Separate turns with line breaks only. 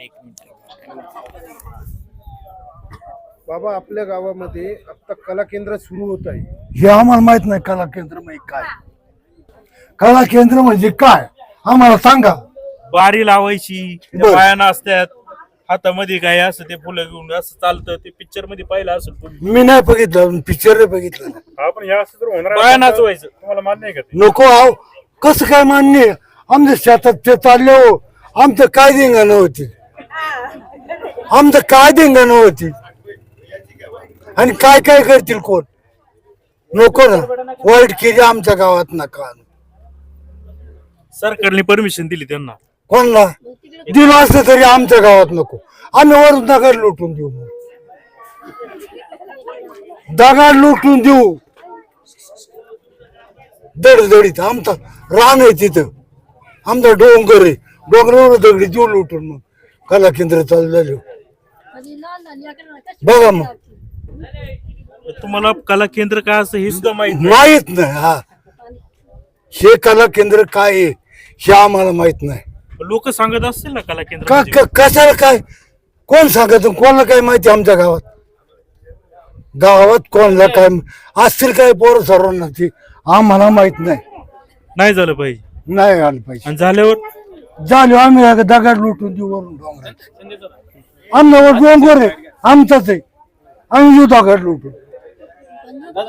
बाबा आपल्या गावामध्ये आता कला केंद्र सुरू होत आहे.
हे आम्हाला माहित नाही कला केंद्र म्हणजे काय. कला केंद्र म्हणजे काय आम्हाला सांगा.
बारी लावायची,
बरं.
बायाना असतात हातामध्ये काय असं ते फुलं घेऊन असं चालतं. ते पिक्चर मध्ये पाहिलं असेल तुम्ही.
मी नाही बघितलं, पिक्चर नाही बघितलं.
आपण हे असं जर होणार
बाया नाचवायचं.
तुम्हाला मान्य आहे का ते?
नको आहो, कसं काय मान्य. आमच्या शेतात ते चालले हो, आमचं काय धिंगाणं होती, आमचं काय धिंगाणं होती आणि काय काय करतील कोण. नको ना वाईट केली आमच्या गावात नका.
सरकारने परमिशन दिली त्यांना.
कोणला दिलं असलं तरी आमच्या गावात नको. आम्ही वरून दगड लुटून देऊ, दगड लुटून देऊ दडदडीत. आमचा रान आहे तिथं, आमचा डोंगर आहे, डोंगरावर दगडी देऊ लुटून. मग कला केंद्र चालू झालं बघा. मग
तुम्हाला कला केंद्र काय असं हे सुद्धा माहित नाही.
माहित नाही. हा, हे कला केंद्र काय आहे हे आम्हाला माहित नाही.
लोक सांगत असतील ना कला केंद्र
का
म्हणजे.
कशाला काय कोण सांगत, कोणाला काय माहिती. आमच्या गावात गावात कोणाला काय असतील काय पोरं सर्वांना ती आम्हाला माहित नाही.
नाही झालं पाहिजे.
नाही आलं पाहिजे.
आणि झाल्यावर
झालो आम्ही आता दगड लुटून देऊ वरून डोंगरात. आमच्यावर डोंगर आहे आमचाच आहे, आम्ही देऊ दगड लुटून.